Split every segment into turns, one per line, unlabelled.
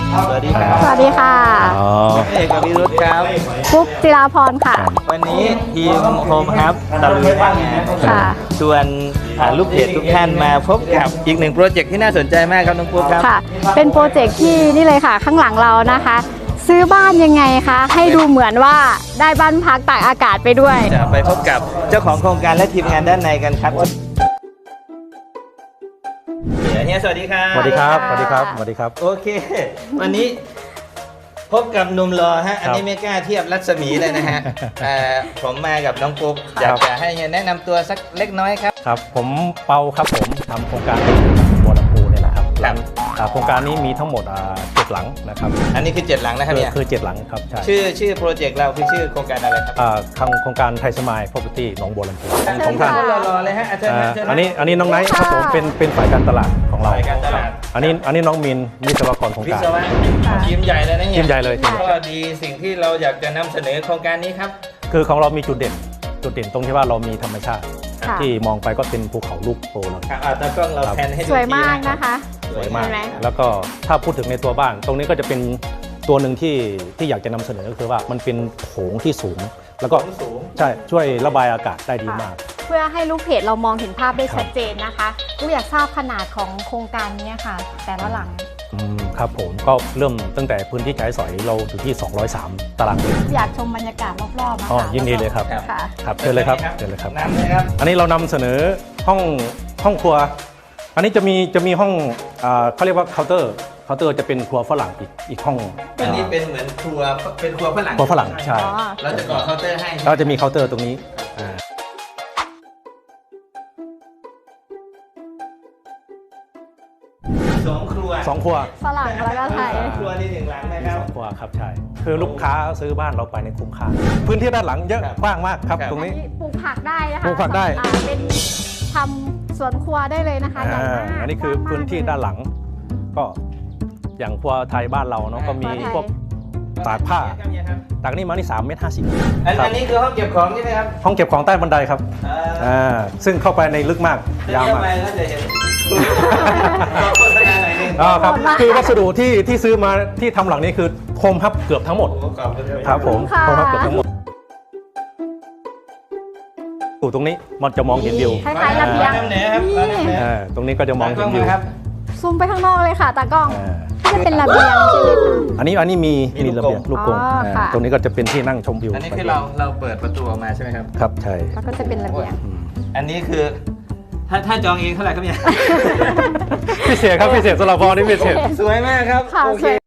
สวัสดีครับ
สวัสดีค่ะ
เอกกับวิรุธครับ
ปุ๊กจิราพรค่ะ
วันนี้ทีมโฮมครับตะลุยบ้านงาน
ค่ะ
ชวนลูกเพจทุกท่านมาพบกับอีกหนึ่งโปรเจกต์ที่น่าสนใจมากครับน้องปุ๊กครับ
ค่ะ เป็นโปรเจกต์ที่นี่เลยค่ะ ข้างหลังเรานะคะ ซื้อบ้านยังไงคะ ให้ดูเหมือนว่าได้บ้านพักตากอากาศไปด้วย
จะไปพบกับเจ้าของโครงการและทีมงานด้านในกันครับเฮียสวัสดีครับ
สวัสดีครับ สวัสดีครับ สวัสดีครับ
โอเค วันนี้พบกับหนุ่มรอฮะ อันนี้ไม่กล้าเทียบรัศมีเลยนะฮะ ผมมากับน้องปุ๊กอยากจะให้เฮียแนะนำตัวสักเล็กน้อยครับ
ครับ ผมเปาครับผมทำโครงการบัวลำพูเนี่ยแหละครับ
ครับ
โครงการนี้มีทั้งหมด7 หลังนะครับ
อันนี้คือ7หลังนะครับเนี่ย
คือ7 หลังครับใช่
ชื่อโปรเจกต์เราคือชื่อโครงการอะไรครับ
โครงการไทยสมาย property หนองบัวลำพู
เชิญ
ของท่าน
ค่ะ
รอเลยฮะเชิญเชิญ
อันนี้น้องไนท์ครับผมเป็นฝ่ายการตลาดของเรา
ฝ่ายการตลาด
อันนี้น้องมินวิศวกรโครง
วิ
การ
ศวะทีมใหญ่เลยนะเนี่ย
ทีมใหญ่เลยทีมใหญ่
ก็ดีสิ่งที่เราอยากจะนำเสนอโครงการนี้ครับ
คือของเรามีจุดเด่นตรงที่ว่าเรามีธรรมชาติ
ค่ะ
ที่มองไปก็เป็นภูเขาลูกโตเลย
ครับตากล้องเราแพนให้ดู
สวยมาก
ที
นะคะ
สวยมาก
เห็นไหม
แล้วก็ถ้าพูดถึงในตัวบ้าน ตรงนี้ก็จะเป็นตัวหนึ่งที่อยากจะนำเสนอก็คือว่ามันเป็นโถงที่สูง แล้วก็
สูง
ใช่ช่วยระบายอากาศได้ดีมาก
เพื่อให้ลูกเพจเรามองเห็นภาพได้ชัดเจนนะคะลูกอยากทราบขนาดของโครงการนี้ค่ะ แต่ละหลัง
ครับผมก็เริ่มตั้งแต่พื้นที่ใช้สอยเราอยู่ที่ 203 ตารางเมตร
อยากชมบรรยากาศรอบๆนะ
อ๋อ
คะ
ยินดีเลยครับ
ค่ะ
ครับเชิญเลยครับเชิญเลยครับ
น้ำเลยครับ
อันนี้เรานำเสนอห้องครัว อันนี้จะมีห้องเขาเรียกว่าเคาน์เตอร์จะเป็นครัวฝรั่งอีกห้อง
อันนี้เป็นเหมือนครัวฝรั่ง
ครัวฝรั่งใช่
อ๋อ
เราจะก่อเคาน์เตอร์ให้
เราจะมีเคาน์เตอร์ตรงนี้
สองครัว
สองครัว
ฝรั่งแล้วก็ไทย
ครัวนี่หนึ่งหลังนะครับ
ครอบครัวครับใช่คือลูกค้าซื้อบ้านเราไปในคุ้มค่าพื้นที่ด้านหลังเยอะ
ครับ
กว้างมากครับ
ครับ
ตรงนี้
ปลูกผักได้นะคะ
ปลูกผักได้
เป็นทำสวนครัวได้เลยนะคะใหญ่มาก
อันนี้คือก
ว้งมก
พื้นที่ด้านหลัง ก็อย่างครัวไทยบ้านเราเนาะก็มีพวกตากผ้าตากนี่มานี่3.50 เมตร
อันนี้คือห้องเก็บของใช่ไหมครับ
ห้องเก็บของใต้บันไดครับซึ่งเข้าไปในลึกมากยาวมาก
ไปแล้วจะเห็นโฆษณาหน่อยหนึง
ครับคือวัสดุที่ซื้อมาที่ทำหลังนี้คือโคมฮับเกือบทั้งหมด
โอ้ขอบคุณด้วย
ครับผม
ค่ะ
โคมฮับเกือบทั้งหมดอยู่ตรงนี้มันจะมองเห็นวิว
คล้ายๆระเบียง
น้ำเหนือครับ
นี่
ตรงนี้ก็จะมองเห็นวิว
ครับ
ซูมไปข้างนอกเลยค่ะตากล้อง
อ่า
ที่จะเป็นระเบียงใช่ไหมคะ
อันนี้มีระเบียงลูกกรง
อ๋อค่ะ
ตรงนี้ก็จะเป็นที่นั่งชมวิว
อันนี้คือเราเปิดประตูออกมาใช่ไหมครับ
ครับใช่
แล้วก็จะเป็นระเบียง
อันนี้คือถ้าจองเองเท่าไหร่ครับเนี่ย
พิเศษครับพิเศษสำหรับพอนี่พิเศษ
สวยมากครับ
ค่ะ
โอเค
สวย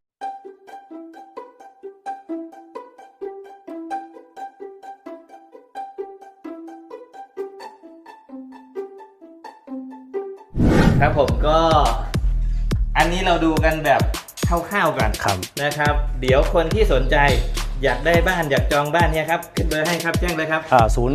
ครับผมก็อันนี้เราดูกันแบบคร่าวๆก่อน
ครับ
นะครับ เดี๋ยวคนที่สนใจอยากได้บ้านอยากจองบ้านเนี่ยครับขึ้นเบอร์ให้ครับแจ้งเลยครับ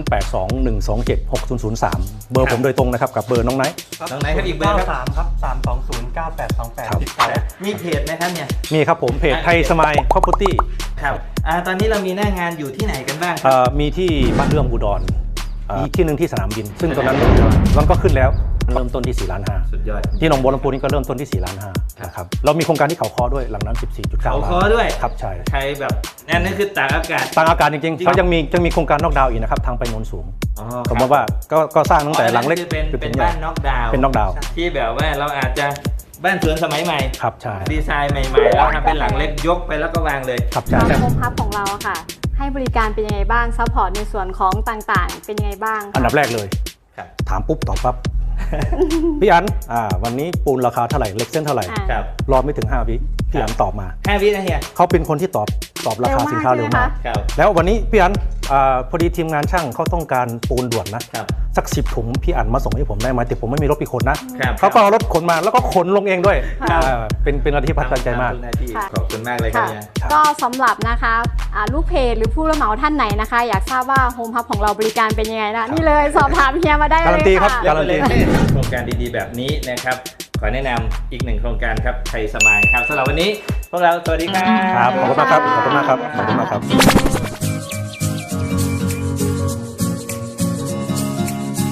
0821276003 เบอร์ผมโดยตรงนะครับกับเบอร์น้องไนท์
ตรงไหนครับอีกเบอร์ครับ
3ครับ3209828ติดต่อได้
มีเพจไหมครับเนี่ย
มีครับผมเพจไทยสมาย property
ครับตอนนี้เรามีหน้างานอยู่ที่ไหนกันบ้างครับ
มีที่บ้านเรื่องอุดรอีกที่หนึ่งที่สนามบิน ซึ่งตอนนั้นมันก็ขึ้นแล้วเริ่มต้นที่4.5 ล้าน
สุดยอด
ที่หนองบัวลำพูนี่ก็เริ่มต้นที่4.5 ล้านนะครับเรามีโครงการที่เขาคอด้วยหลังนั้น 14.9
เขา
ล้าน
คอด้วย
ครับใช่
ใครแบบนั่นคือตากอากาศ
ต่างอากาศจริงๆเขายังมีโครงการนอกดาวน์อีกนะครับทางไปโนนสูง
อ๋อ
ผมว่าก็สร้างตั้งแต่หลังเล็ก
คือเป็น
ใหญ่
บ้านน็อกดาวน์
เป็นน็อกดาวน์
ที่แบบว่าเราอาจจะบ้านสวนสมัยใหม่
ครับใช่
ดีไซน์ใหม่ๆแล้วทำเป็นหลังเล็กยกไปแล้วก็วางเลย
ครับใช่
โฮมฮับของเราอะค่ะ ให้บริการเป็นยังไงบ้างซัพพอร์ตในส่วนของต่างๆ เป็นยังไงบ้างคะ
อันดับแรกเลย
ครับ
ถามปุ๊บตอบปั๊บ พี่อันวันนี้ปูนราคาเท่าไหร่เหล็กเส้นเท่าไหร่
ครับ
รอไม่ถึง5 วิพี่อันตอบมา
5 วินะเฮีย
เขาเป็นคนที่ตอบราคาสินค้าเร็วมาก
ครับ
แล้ววันนี้พี่อันพอดีทีมงานช่างเขาต้องการปูนด่วนนะครับ สัก10 ถุงพี่อันมาส่งให้ผมได้ไหมแต่ผมไม่มีรถไปขนนะครับ เขาก็เอารถขนมาแล้วก็ขนลงเองด้วย
ครับ
เป็นอะไรที่ประทับใจมาก
ขอบคุณมากเลยครับ
ค่ะ
เฮีย
ก็สำหรับนะคะลูกเพจหรือผู้รับเหมาท่านไหนนะคะ อยากทราบว่าโฮมฮับของเราบริการเป็นยังไงนะนี่เลยสอบถามเฮียมาได้เลย
การันตีครับ
ค่ะ
การันตี
โครงการดีๆแบบนี้นะครับ ขอแนะนำอีกหนึ่งโครงการครับไทยสมายครับสำหรับวันนี้พวกเราสวัสดีครับ
ครับขอบคุณมากครับขอบคุณมากครับขอบคุณมากครับ